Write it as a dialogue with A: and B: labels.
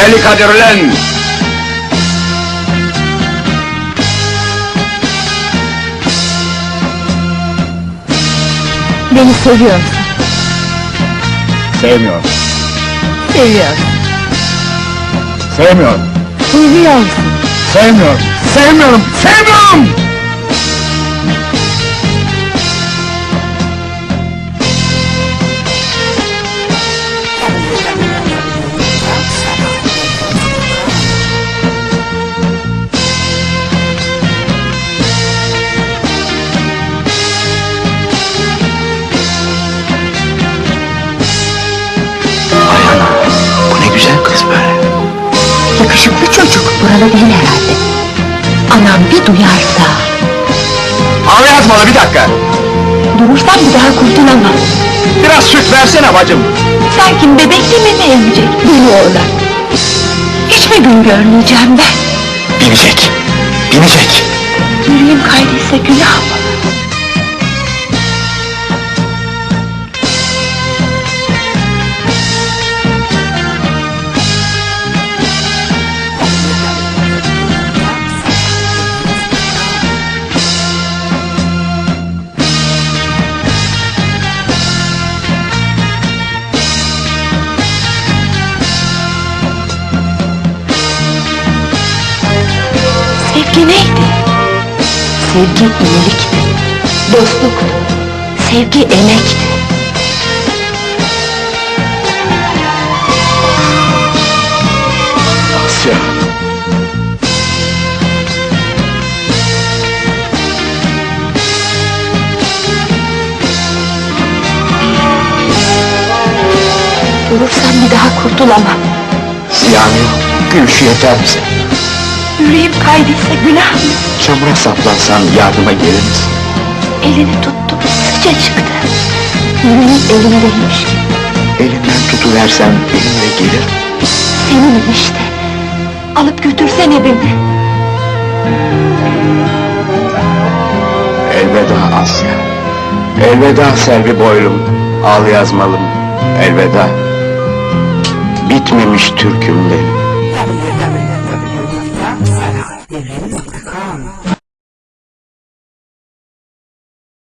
A: Deli Kadir ulan!
B: Beni seviyor musun?
A: Sevmiyorum,
B: Seviyorum.
A: sevmiyorum,
B: Seviyor musun?
A: sevmiyorum, sevmiyorum, sevmiyorum! Bu ne güzel kız böyle.
B: Yakışıklı çocuk, buralı değil herhalde. Anam bir duyarsa...
A: Ağla yazmalı, bir dakika!
B: Durursam bir daha kurtulamam.
A: Biraz süt versene bacım!
B: Sanki bebekle mi emecek? Deli oğlan. Hiç mi gün görmeyeceğim ben?
A: Binecek, binecek!
B: Yüreğim kaydıysa günah mı? Sevgi neydi? Sevgi iyilikti, dostluktu, sevgi emekti.
A: Asya!
B: Durursam bir daha kurtulamam.
A: Ziyan yok, gülüşü yeter bize.
B: Yüreğim kaydıysa günah mı?
A: Çamura saplansan yardıma gelir misin?
B: Elini tuttum, sıkça çıktı. Yüreğim elimdeymiş gibi.
A: Elinden tutuversem benimle gelir.
B: Seninim işte. Alıp götürsene beni.
A: Elveda Asya. Elveda Selvi boylum, al yazmalım. Elveda. Bitmemiş türküm benim.
C: www.sanatdevrimi.com